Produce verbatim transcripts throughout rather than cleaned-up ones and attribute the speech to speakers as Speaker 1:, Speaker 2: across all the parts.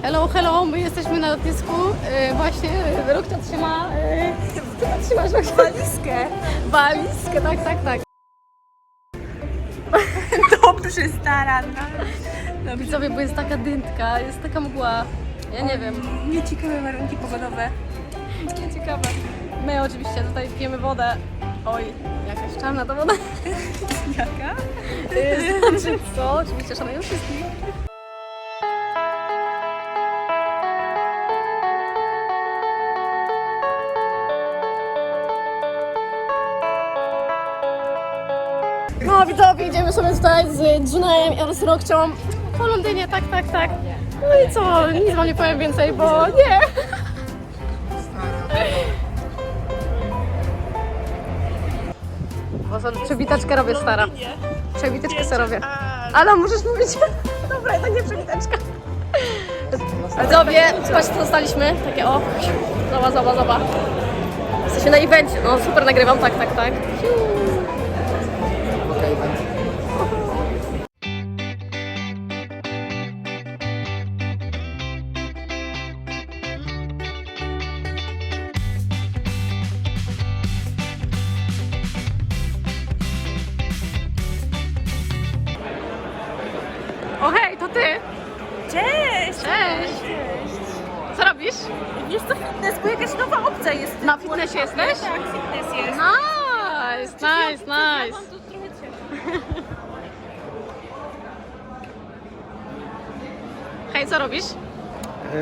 Speaker 1: Hello, hello, my jesteśmy na lotnisku. Yy, właśnie Rokcia trzyma... Yy, co ty trzymasz, Rokcia?
Speaker 2: Walizkę.
Speaker 1: Walizkę, tak, tak, tak.
Speaker 2: Dobrze, stara.
Speaker 1: No widzowie, bo jest taka dyntka, jest taka mgła. Ja nie wiem.
Speaker 2: Nieciekawe warunki pogodowe.
Speaker 1: Takie ciekawe. My oczywiście tutaj pijemy wodę. Oj, jakaś czarna ta woda.
Speaker 2: Jaka?
Speaker 1: Yy, Znaczy co? Oczywiście szanuję wszystkich. No widzowie, idziemy sobie tutaj z Junajem oraz Rokcią po Londynie, tak, tak, tak. No i co, nic wam nie powiem więcej, bo nie. Bo sobie przewitaczkę robię, stara. Przewitaczkę sobie robię. Ale możesz mówić. Dobra, to nie przewitaczka. Widzowie, patrzcie co dostaliśmy. Takie o. Zoba, zoba, zoba. Jesteśmy na evencie. No super nagrywam, tak, tak, tak. O hej, to ty!
Speaker 2: Cześć!
Speaker 1: Cześć! Co robisz?
Speaker 2: Wiesz co, fitness, bo jakaś nowa opcja jest.
Speaker 1: Na fitnessie jesteś?
Speaker 2: Tak, fitness jest.
Speaker 1: Nice, nice,
Speaker 2: Ja
Speaker 1: nice.
Speaker 2: mam tu trochę ciepło.
Speaker 1: Hej, co robisz?
Speaker 3: Yy,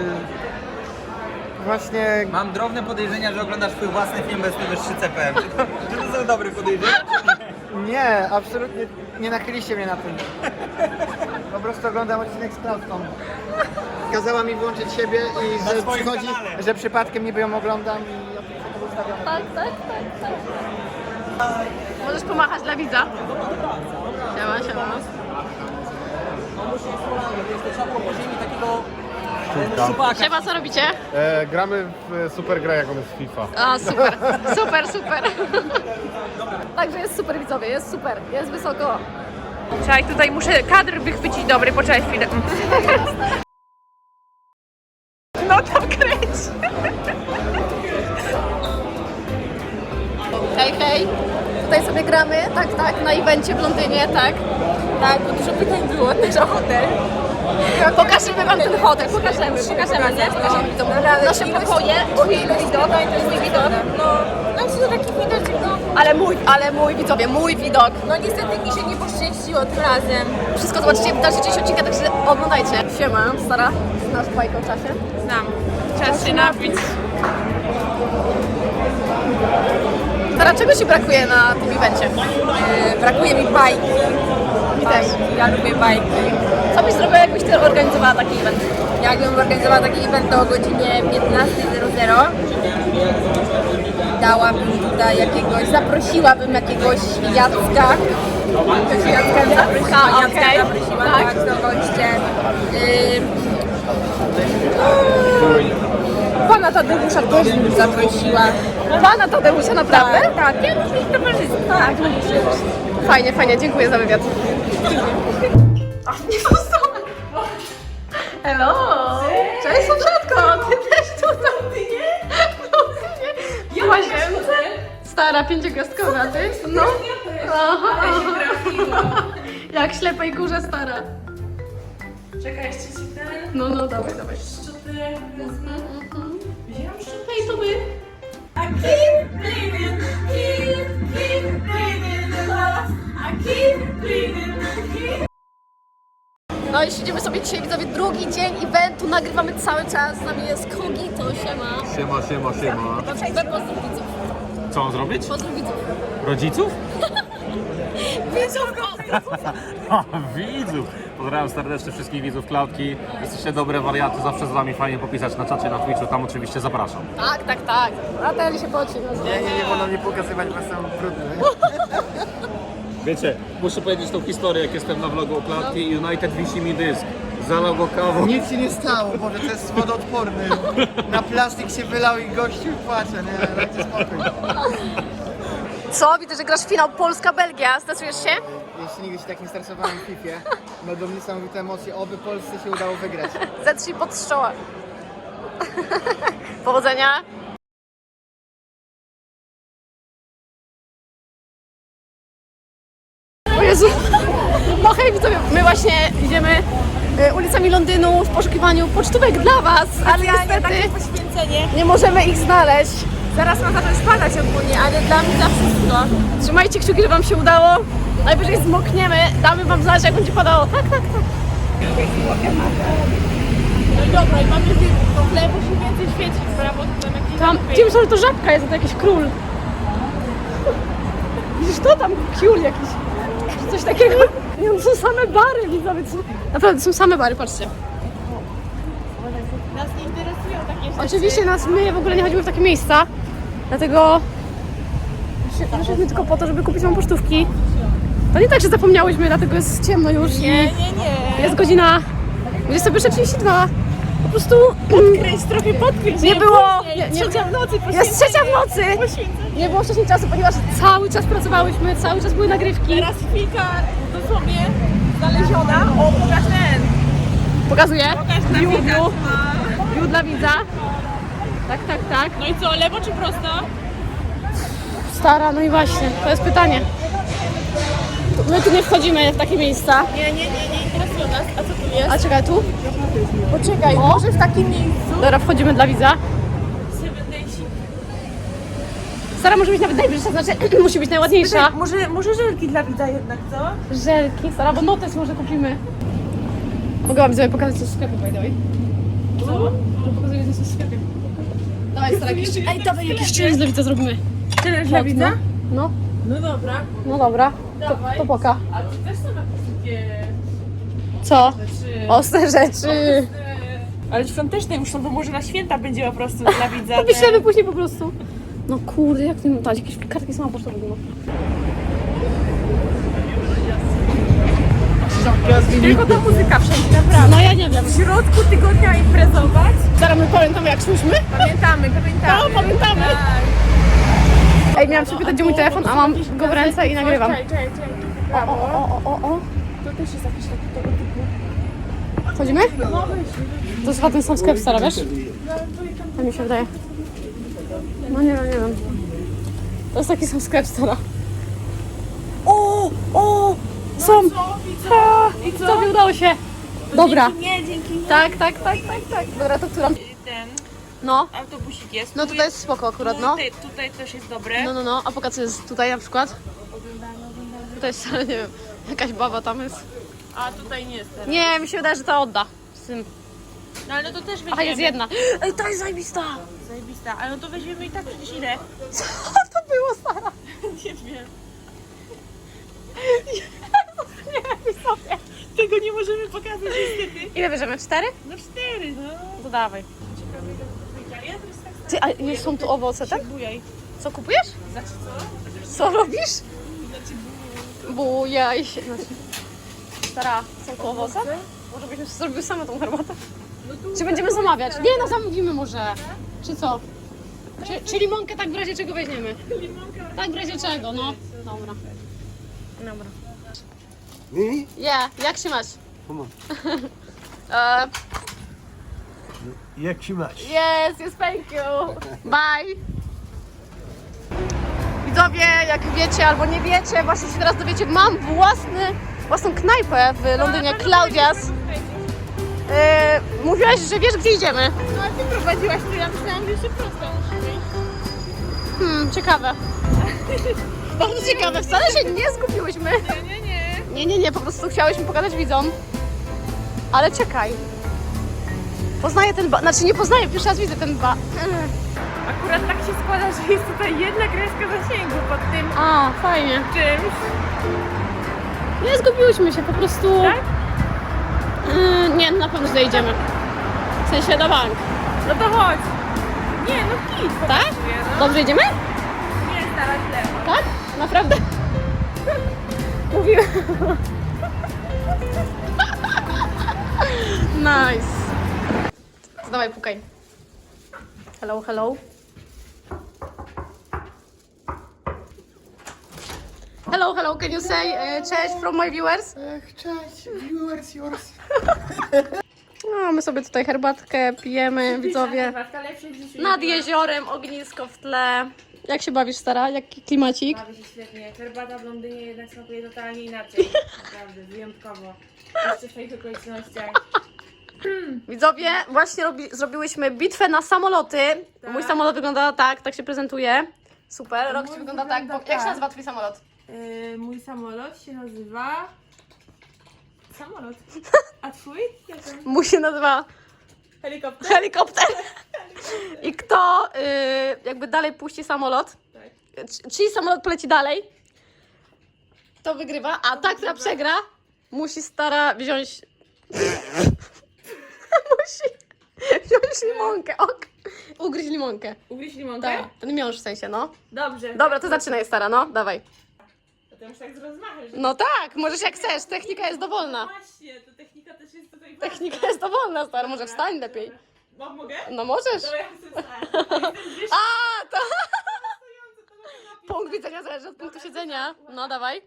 Speaker 3: właśnie
Speaker 4: Mam drobne podejrzenia, że oglądasz swój własny film bez wyższy C P M. Czy to, czy to są dobre podejrzenia?
Speaker 3: nie, absolutnie nie nachyliście mnie na tym. Po prostu oglądam odcinek z Klauską. Kazała mi włączyć siebie i
Speaker 4: Na
Speaker 3: że
Speaker 4: swoim
Speaker 3: przychodzi,
Speaker 4: kanale.
Speaker 3: że przypadkiem niby ją oglądam i ja to ustawiam.
Speaker 1: Tak, tak, tak, tak. Możesz pomachać dla widza. Siema, siema. Siema, co robicie?
Speaker 5: E, gramy w super grę, jaką jest FIFA.
Speaker 1: A, super, super, super. Także jest super, widzowie, jest super, jest wysoko.
Speaker 2: Czekaj, tutaj muszę kadr wychwycić dobry, poczekaj chwilę. No tam kręć.
Speaker 1: Hej, hej. Tutaj sobie gramy, tak, tak, na evencie w Londynie, tak.
Speaker 2: Tak, bo dużo pytań było też o hotel.
Speaker 1: Pokażemy wam ten hotel, pokażemy, pokażemy, nie? Pokażemy widzom. Nasze pokoje, twój widok, twój widok.
Speaker 2: No, no to taki widok, no.
Speaker 1: Ale mój, ale mój, widzowie, mój widok.
Speaker 2: No niestety mi się nie poszczęściło tym razem.
Speaker 1: Wszystko zobaczycie w dalszej części odcinka, także oglądajcie. Siema, stara, znasz bajkę o czasie?
Speaker 2: Znam. Czas się napić.
Speaker 1: Stara, czego ci brakuje na tym evencie?
Speaker 2: Yy, brakuje mi bajki.
Speaker 1: Mi też.
Speaker 2: Ja lubię bajki.
Speaker 1: Co byś zrobiła, jakbyś ty organizowała taki event?
Speaker 2: Jakbym organizowała taki event o godzinie piętnasta zero zero, dałabym tutaj jakiegoś, zaprosiłabym jakiegoś Jacka. Ktoś Jacka zaprosiła,
Speaker 1: A,
Speaker 2: Jacka
Speaker 1: okej.
Speaker 2: zaprosiła,
Speaker 1: Tak.
Speaker 2: tak, do goście. Yy, Pana Tadeusza też bym zaprosiła.
Speaker 1: Pana Tadeusza, naprawdę?
Speaker 2: Tak, tak, ja muszę ich towarzystwo. Tak,
Speaker 1: Fajnie, fajnie, dziękuję za wywiad. Hello! Cześć, sąsiadko! Ty też tutaj! Ty nie? No, ty nie! Ja łazience? Stara, pięciogwiazdkowa, a ty? No. Aha. Jak ślepej kurze, stara.
Speaker 2: Czekaj, jeszcze ci ten
Speaker 1: No, no, dawaj, dawaj.
Speaker 2: szczoty wezmę. Wziąłam szczotę.
Speaker 1: Hej, to my.
Speaker 2: I keep bleeding, keep, keep bleeding in love. I keep bleeding, keep.
Speaker 1: No i siedzimy sobie dzisiaj, widzowie, drugi dzień eventu, nagrywamy cały czas, z nami jest Kogito, siema.
Speaker 5: Siema, siema, siema.
Speaker 1: Pozdrów widzów,
Speaker 5: Co mam zrobić?
Speaker 1: pozdrów widzów.
Speaker 5: Rodziców?
Speaker 1: Widzów, pozdrów!
Speaker 5: widzów! Pozdrawiam serdecznie wszystkich widzów Klaudki. Jesteście dobre wariaty, zawsze z wami fajnie popisać na czacie, na Twitchu, tam oczywiście zapraszam.
Speaker 1: Tak, tak, tak. A ten się poci. No,
Speaker 3: Nie, nie, nie wolno mi pokazywać, bo jestem brudny.
Speaker 5: Wiecie, muszę powiedzieć tą historię, jak jestem na vlogu o Klaudki i United wisi mi dysk. Zalał go kawą.
Speaker 3: Nic się nie stało, Boże, to jest wodoodporny. Na plastik się wylał i gościu płacze, nie? Dajcie spokój.
Speaker 1: Co? Widzę, że grasz w finał Polska-Belgia. Stresujesz się?
Speaker 3: Jeszcze nigdy się tak nie stresowałem w Fifie. Będą niesamowite emocje, oby Polsce się udało wygrać.
Speaker 1: Zetrzyj pod strzała. Powodzenia. O Jezu. No hej widzowie, my właśnie idziemy y, ulicami Londynu w poszukiwaniu pocztówek dla was, ale niestety
Speaker 2: poświęcenie.
Speaker 1: nie możemy ich znaleźć.
Speaker 2: Zaraz ma zacząć padać ogólnie, ale dla mnie za wszystko.
Speaker 1: Trzymajcie kciuki, żeby wam się udało. Najwyżej zmokniemy, damy wam znać, jak będzie padało. Tak, tak, tak.
Speaker 2: No i dobra, i mamy w tle musi więcej świecić, brawo, tam jakieś
Speaker 1: Tam, gdzie myślałam, że to żabka jest, a to jakiś król. Widzisz to tam, król jakiś. Czy coś takiego. Nie, no, są same bary, widzowie. co- Naprawdę, są same bary, patrzcie.
Speaker 2: Nas nie interesują takie rzeczy.
Speaker 1: Oczywiście nas, my w ogóle nie chodzimy w takie miejsca, dlatego wyszliśmy tylko po to, żeby kupić wam pocztówki. To nie tak, że zapomniałyśmy, dlatego jest ciemno już.
Speaker 2: Nie, nie, nie.
Speaker 1: Jest godzina dwudziesta pierwsza trzydzieści dwa. Po prostu
Speaker 2: Kręć trochę podkręć.
Speaker 1: nie było. Nie, nie,
Speaker 2: Trzecia w nocy,
Speaker 1: jest trzecia w nocy.
Speaker 2: poświęcenie.
Speaker 1: Nie było wcześniej czasu, ponieważ cały czas pracowałyśmy, cały czas były nagrywki.
Speaker 2: Teraz chwilka dosłownie znaleziona. O, pokaż ten.
Speaker 1: Pokazuję.
Speaker 2: Pokaż na
Speaker 1: View,
Speaker 2: widać.
Speaker 1: view. View dla widza. Tak, tak, tak.
Speaker 2: No i co, lewo czy prosto?
Speaker 1: Stara, no i właśnie, to jest pytanie. My tu nie wchodzimy w takie miejsca.
Speaker 2: Nie, nie, nie, nie interesują nas. A co tu jest?
Speaker 1: A czekaj, tu?
Speaker 2: Poczekaj,
Speaker 1: O.
Speaker 2: może w takim miejscu?
Speaker 1: Dobra, wchodzimy dla widza.
Speaker 2: Seven Days.
Speaker 1: Stara może być nawet najbliższa, znaczy musi być najładniejsza.
Speaker 2: Może, może żelki dla widza jednak, co?
Speaker 1: Żelki, stara, bo notes może kupimy. Mogę wam widzowie pokazać coś w sklepie, by the way.
Speaker 2: Co?
Speaker 1: Pokazuję coś w sklepie. Dawaj, stara, jakiś... Ej, dawaj, jakiś challenge dla widza zrobimy.
Speaker 2: Tyle dla widza?
Speaker 1: No,
Speaker 2: No dobra.
Speaker 1: no dobra. To,
Speaker 2: Dawaj.
Speaker 1: to poka.
Speaker 2: A tu też są jakieś takie...
Speaker 1: Co?
Speaker 2: Rzeczy.
Speaker 1: Ostre rzeczy.
Speaker 2: Ale świąteczne już są, to może na święta będzie po prostu dla widza.
Speaker 1: To wyślemy później po prostu. No kurde, jak ty dać? Jakieś kartki są pocztowe nie ma.
Speaker 2: Tylko ta muzyka wszędzie, naprawdę.
Speaker 1: No ja nie wiem.
Speaker 2: W środku tygodnia imprezować?
Speaker 1: Zaraz my pamiętamy jak szłyśmy?
Speaker 2: Pamiętamy, pamiętamy.
Speaker 1: No, pamiętamy.
Speaker 2: Tak.
Speaker 1: Ej, miałam się pytać, gdzie mój telefon, a mam go w ręce i nagrywam.
Speaker 2: Czekaj, czekaj, czekaj.
Speaker 1: O,
Speaker 2: Brawo.
Speaker 1: o, o, o, o.
Speaker 2: To też jest jakiś taki tego typu.
Speaker 1: Wchodzimy? To jest chyba ten sam sklep, stara, wiesz? Tak mi się wydaje. No nie wiem, nie wiem. To jest taki sam sklep, stara. O, o, są. A,
Speaker 2: I co?
Speaker 1: Tobie udało się. Dobra.
Speaker 2: Dzięki nie, dzięki nie.
Speaker 1: Tak, tak, tak, tak, tak. Dobra, to która?
Speaker 2: Ten
Speaker 1: No.
Speaker 2: autobusik jest.
Speaker 1: No
Speaker 2: Tu
Speaker 1: tutaj jest spoko akurat, no.
Speaker 2: Tutaj, tutaj też jest dobre.
Speaker 1: No, no, no. A pokaż co jest tutaj na przykład? Tutaj jest, nie wiem, jakaś baba tam jest.
Speaker 2: A tutaj nie jest teraz.
Speaker 1: Nie, mi się wydaje, że to odda. Z tym.
Speaker 2: No ale no to też weźmiemy.
Speaker 1: Aha, jest jedna. Ej, to jest zajebista.
Speaker 2: Zajebista. Ale no to weźmiemy i tak przecież ile?
Speaker 1: Co to było, stara?
Speaker 2: Nie wiem.
Speaker 1: Nie wiem sobie.
Speaker 2: Tego nie możemy pokazać niestety.
Speaker 1: Ile bierzemy? Cztery?
Speaker 2: No cztery, no.
Speaker 1: To dawaj.
Speaker 2: Ciekawe ile to wyjdzie. Ale ja teraz tak
Speaker 1: Ty, a nie są tu owoce, tak?
Speaker 2: bujaj.
Speaker 1: Co kupujesz?
Speaker 2: Znaczy co?
Speaker 1: Co robisz?
Speaker 2: Znaczy
Speaker 1: Bujaj się. Znaczy... Stara, są tu owoce? Może byśmy sobie zrobiły same tą herbatę? Czy będziemy zamawiać? Nie, no zamówimy może. Czy co? Czy, czy limonkę tak w razie czego weźmiemy? Tak w razie czego, no. Dobra. Dobra.
Speaker 3: Mimi?
Speaker 1: Yeah, jak się masz?
Speaker 3: Come on.
Speaker 1: Uh,
Speaker 3: Jak się masz?
Speaker 1: yes, yes, thank you. Bye. Widzowie, jak wiecie albo nie wiecie, właśnie się teraz dowiecie, mam własny, własną knajpę w Londynie, Claudia's. Yy, mówiłaś, że wiesz, gdzie idziemy.
Speaker 2: No a ty prowadziłaś, to ja myślałam, że jeszcze prosto musimy iść.
Speaker 1: Hmm, ciekawe. Bardzo ciekawe, wcale się nie zgubiłyśmy.
Speaker 2: Nie, nie, nie.
Speaker 1: Nie, nie, nie, po prostu chciałyśmy pokazać widzom. Ale czekaj. Poznaję ten ba... Znaczy nie poznaję, pierwszy raz widzę ten ba...
Speaker 2: Akurat tak się składa, że jest tutaj jedna kreska zasięgu pod tym
Speaker 1: A, fajnie.
Speaker 2: czymś.
Speaker 1: Nie zgubiłyśmy się, po prostu...
Speaker 2: Tak?
Speaker 1: Yy, nie, na pewno źle idziemy. W sensie na bank.
Speaker 2: No to chodź. Nie, no kit
Speaker 1: Tak?
Speaker 2: pokazuje, no.
Speaker 1: Dobrze idziemy?
Speaker 2: Nie, stara źle.
Speaker 1: Tak? Naprawdę? Mówiłem. Nice. Dawaj, pukaj. Hello, hello. Hello, hello, can you say uh, cześć from my viewers?
Speaker 3: Ech, cześć, viewers yours.
Speaker 1: No, my sobie tutaj herbatkę pijemy, widzowie. Nad jeziorem, ognisko w tle. Jak się bawisz, stara? Jaki klimacik?
Speaker 2: Bawię się świetnie. Herbata w Londynie jednak smakuje totalnie inaczej. Naprawdę, wyjątkowo. Jeszcze w tych okolicznościach.
Speaker 1: Widzowie, właśnie robi, zrobiłyśmy bitwę na samoloty.
Speaker 2: Tak.
Speaker 1: Mój samolot wygląda tak, tak się prezentuje. Super, Roxy
Speaker 2: Mój
Speaker 1: wygląda tak.
Speaker 2: wygląda
Speaker 1: Bo, jak się
Speaker 2: tak.
Speaker 1: nazywa twój samolot?
Speaker 2: Yy, mój samolot się nazywa... Samolot. A twój? Jak on?
Speaker 1: Mój się nazywa
Speaker 2: Helikopter?
Speaker 1: helikopter. I kto y, jakby dalej puści samolot,
Speaker 2: Tak.
Speaker 1: c- czyli samolot poleci dalej, to wygrywa, a ta, która przegra, musi stara wziąć... musi wziąć limonkę, ok. Ugryźć limonkę.
Speaker 2: Ugryź limonkę?
Speaker 1: Tak, ten miąższ w sensie, no.
Speaker 2: Dobrze.
Speaker 1: Dobra, to zaczynaj, stara, no, dawaj.
Speaker 2: To ty już tak z rozmachem, że...
Speaker 1: No tak, możesz jak chcesz, technika jest dowolna.
Speaker 2: Właśnie, to technika też jest tutaj ważna.
Speaker 1: Technika jest dowolna, stara, może wstań lepiej.
Speaker 2: No, mogę?
Speaker 1: No możesz.
Speaker 2: Dobra, ja chcę wstać.
Speaker 1: A, to... Punkt widzenia zależy od punktu siedzenia. No, dawaj.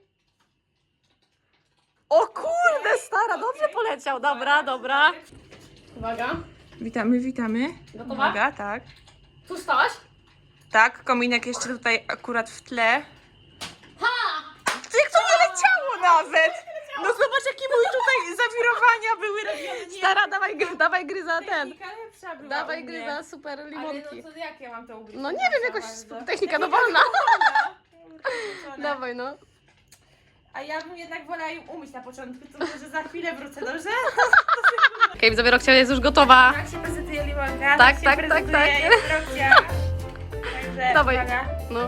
Speaker 1: O kurde, stara, dobrze poleciał. Dobra, dobra. Uwaga.
Speaker 2: Witamy, witamy.
Speaker 1: Gotowa?
Speaker 2: Uwaga, tak.
Speaker 1: Tu stałaś?
Speaker 2: Tak, kominek jeszcze tutaj akurat w tle. Ha! Jak to nie leciało nawet! No zobacz, jakie mój tutaj zawirowania były robione. Nie,
Speaker 1: Stara, dawaj, gry- dawaj gryza ten.
Speaker 2: technika lepsza była
Speaker 1: Dawaj
Speaker 2: u mnie.
Speaker 1: gryza super limonki.
Speaker 2: Ale no to jak ja mam to ugryźć?
Speaker 1: No nie wiem, jakoś
Speaker 2: Bardzo.
Speaker 1: technika dowolna.
Speaker 2: Dawaj.
Speaker 1: Dawaj, no.
Speaker 2: A ja bym jednak wolała ją umyć na początku, to może za chwilę wrócę, dobrze?
Speaker 1: Okej, widzowie, Roxia jest już gotowa.
Speaker 2: Jak się prezentuje limonka,
Speaker 1: Tak,
Speaker 2: się
Speaker 1: tak, tak,
Speaker 2: prezentuje,
Speaker 1: tak.
Speaker 2: jest Roxia. Także
Speaker 1: Dawaj.
Speaker 2: uwaga.
Speaker 1: No.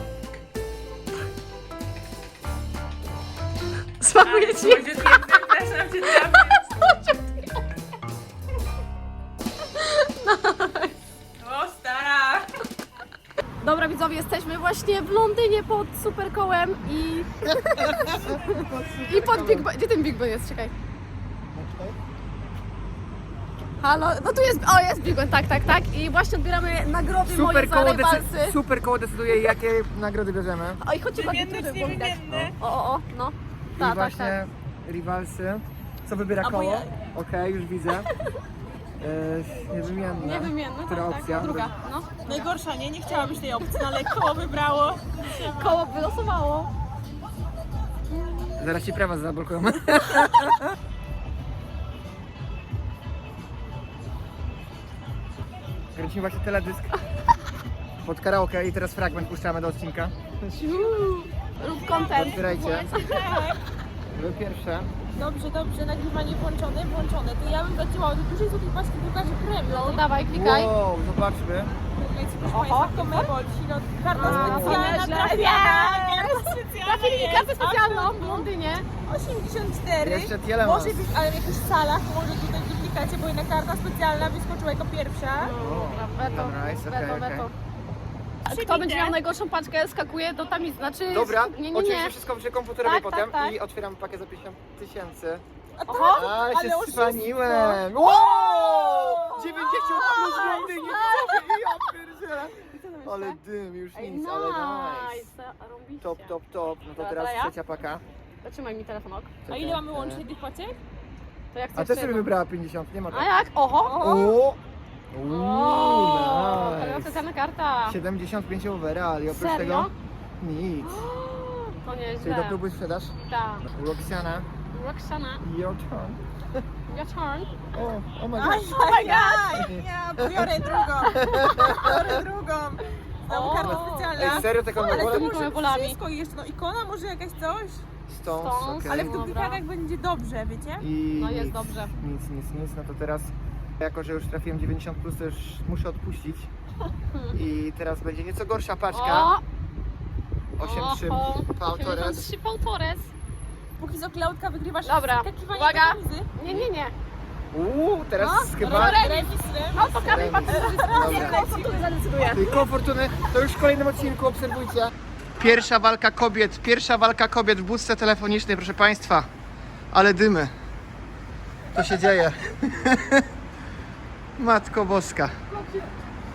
Speaker 1: Smakuje ci?
Speaker 2: Słodziutkie, przepraszam cię, O, stara!
Speaker 1: Dobra, widzowie, jesteśmy właśnie w Londynie pod Superkołem i... I pod Big Ben. Gdzie ten Big Ben jest? Czekaj. Halo? No tu jest... O, jest Big Ben, tak, tak, tak. I właśnie odbieramy nagrody moje
Speaker 3: Super
Speaker 1: za
Speaker 3: koło,
Speaker 1: rywalsy.
Speaker 3: decy- super koło decyduje, jakie nagrody bierzemy.
Speaker 1: O, i chodźcie ładnie
Speaker 2: Wymienny
Speaker 1: tutaj,
Speaker 2: czy
Speaker 1: było widać.
Speaker 2: niewymienny?
Speaker 1: O, o, o, no.
Speaker 3: I
Speaker 1: Tak, tak,
Speaker 3: właśnie
Speaker 1: tak.
Speaker 3: rivalsy. Co wybiera
Speaker 1: A bo
Speaker 3: koło?
Speaker 1: ja-
Speaker 3: Okej, już widzę. Yy, niewymienne.
Speaker 1: Niewymienne,
Speaker 3: Która
Speaker 1: tak, tak.
Speaker 3: opcja?
Speaker 1: Druga, no.
Speaker 2: Najgorsza, nie? Nie chciałabyś tej opcji, ale koło wybrało.
Speaker 1: Koło wylosowało.
Speaker 3: Zaraz ci prawa zablokują. Kręcimy właśnie teledysk pod karaoke i teraz fragment puszczamy do odcinka.
Speaker 1: Rób content.
Speaker 3: Otwierajcie. Wy pierwsze.
Speaker 2: Dobrze, dobrze, nagrywanie włączone, włączone. To ja bym zaczęła od dużej złotej paski drukarzy premium.
Speaker 1: No, dawaj, klikaj.
Speaker 3: Wow, zobaczmy.
Speaker 2: Oho, to mebol, karta
Speaker 1: A,
Speaker 2: specjalna
Speaker 1: nieźle.
Speaker 2: trafiana, karta specjalna
Speaker 1: Trafili
Speaker 2: jest.
Speaker 1: kartę specjalną w Londynie.
Speaker 2: osiemdziesiąt cztery.
Speaker 3: Jeszcze Tielemans.
Speaker 2: Może być, ale w jakichś salach, może tutaj w duplikacie, bo jednak karta specjalna wyskoczyła jako pierwsza.
Speaker 1: Weto,
Speaker 3: Dobra, jest okej,
Speaker 1: weto,
Speaker 3: okej.
Speaker 1: weto. A
Speaker 2: Przybite.
Speaker 1: kto będzie miał najgorszą paczkę, skakuje do tamiz. Znaczy,
Speaker 3: Dobra,
Speaker 1: nie, nie,
Speaker 3: oczywiście
Speaker 1: nie.
Speaker 3: wszystko przy komputerowie
Speaker 1: Tak,
Speaker 3: potem
Speaker 1: tak, tak.
Speaker 3: i otwieram pakiet za pięćdziesiąt tysięcy.
Speaker 2: A tak,
Speaker 1: Oho,
Speaker 3: Ale się
Speaker 2: oszustwo.
Speaker 3: spaniłem! Wow! dziewięćdziesiąt plus w Londynie! Ja pierdzielę! Ale dym, już
Speaker 1: Ej,
Speaker 3: nic, ale nice.
Speaker 1: nice. Robicie.
Speaker 3: Top, top, top. No to
Speaker 1: Dobra,
Speaker 3: teraz
Speaker 1: ja?
Speaker 3: trzecia paka.
Speaker 1: Zatrzymaj mi telefon, ok.
Speaker 2: A ile mamy łącznie tych paczek?
Speaker 1: To jak
Speaker 3: A
Speaker 1: chcesz
Speaker 3: też sobie
Speaker 1: jedną.
Speaker 3: wybrała pięćdziesiąt, nie ma
Speaker 1: A
Speaker 3: tak.
Speaker 1: jak? Oho!
Speaker 3: O!
Speaker 1: O,
Speaker 3: Uuu,
Speaker 1: kolejna
Speaker 3: nice.
Speaker 1: specjalna karta.
Speaker 3: siedemdziesiąt pięć overall i oprócz
Speaker 1: Serio?
Speaker 3: tego nic.
Speaker 1: To
Speaker 3: Czyli
Speaker 1: nieźle.
Speaker 3: do klubu sprzedaż?
Speaker 1: Tak.
Speaker 3: Roxana,
Speaker 1: Roxana,
Speaker 3: your turn.
Speaker 1: your turn.
Speaker 3: O, oh my
Speaker 2: Aj,
Speaker 3: god.
Speaker 2: oh my god! Ja biorę drugą. Biorę drugą. Znowu
Speaker 1: O.
Speaker 2: karta
Speaker 3: Ej,
Speaker 2: specjalna.
Speaker 3: serio taką
Speaker 2: Ale to
Speaker 3: wolę?
Speaker 1: Tymi
Speaker 2: może
Speaker 1: bolami.
Speaker 2: wszystko jeszcze, no ikona może jakaś coś?
Speaker 3: Stones,
Speaker 1: Stones,
Speaker 3: okej.
Speaker 2: Ale w
Speaker 1: Dobra.
Speaker 2: duplikatach będzie dobrze, wiecie?
Speaker 3: I
Speaker 1: No jest
Speaker 3: nic,
Speaker 1: dobrze.
Speaker 3: Nic, nic, nic. No to teraz, jako że już trafiłem dziewięćdziesiąt plus, to już muszę odpuścić. I teraz będzie nieco gorsza paczka.
Speaker 1: O!
Speaker 3: osiem trzy
Speaker 1: Oho,
Speaker 3: Pautores.
Speaker 1: osiemdziesiąt trzy Pautores.
Speaker 2: Póki co Klaudka wygrywasz
Speaker 1: Dobra,
Speaker 2: skakiwanie
Speaker 1: uwaga.
Speaker 2: do tamizy.
Speaker 1: Nie, nie, nie.
Speaker 3: Uuu, teraz
Speaker 1: No,
Speaker 3: chyba...
Speaker 1: remis.
Speaker 2: Remis, remis.
Speaker 1: No to kamień
Speaker 3: Remis.
Speaker 1: patrzę,
Speaker 3: Dobra.
Speaker 1: który zadecyduje.
Speaker 3: Tej Fortuny, to już w kolejnym odcinku obserwujcie. Pierwsza walka kobiet, pierwsza walka kobiet w budce telefonicznej, proszę Państwa. Ale dymy. To się dzieje. Matko Boska.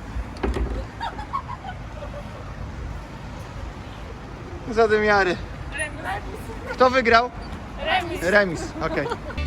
Speaker 3: Zadymiary. Kto wygrał? Remis. Remis, okej.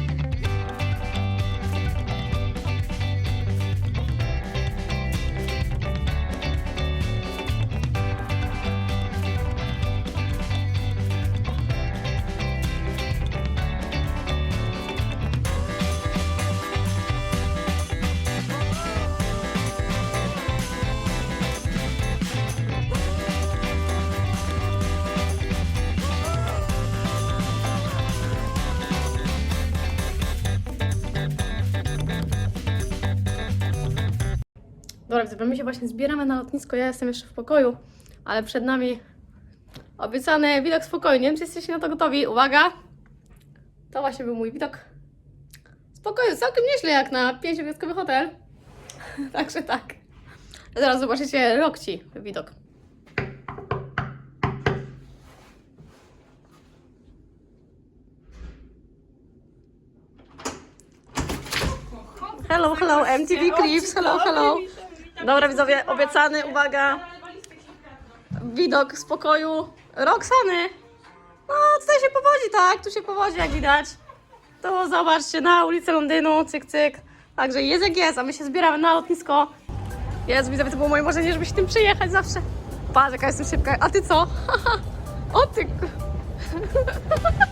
Speaker 1: Dobra, widzowie, my się właśnie zbieramy na lotnisko, ja jestem jeszcze w pokoju, ale przed nami obiecany widok z pokoju. Nie wiem, czy jesteście na to gotowi. Uwaga! To właśnie był mój widok z pokoju. Całkiem nieźle jak na pięciogwiazdkowy hotel. Także tak. Zaraz zobaczycie Rokci widok. Hello, hello, M T V Clips, hello, hello. Dobra widzowie, obiecany, uwaga, widok z pokoju Roxany. No tutaj się powodzi, tak, tu się powodzi jak widać. To zobaczcie, na ulicę Londynu, cyk, cyk. Także jest jak jest, a my się zbieramy na lotnisko. Jest, widzowie, to było moje marzenie, żeby się tym przyjechać zawsze. Patrz, jaka jestem szybka, a ty co? O ty...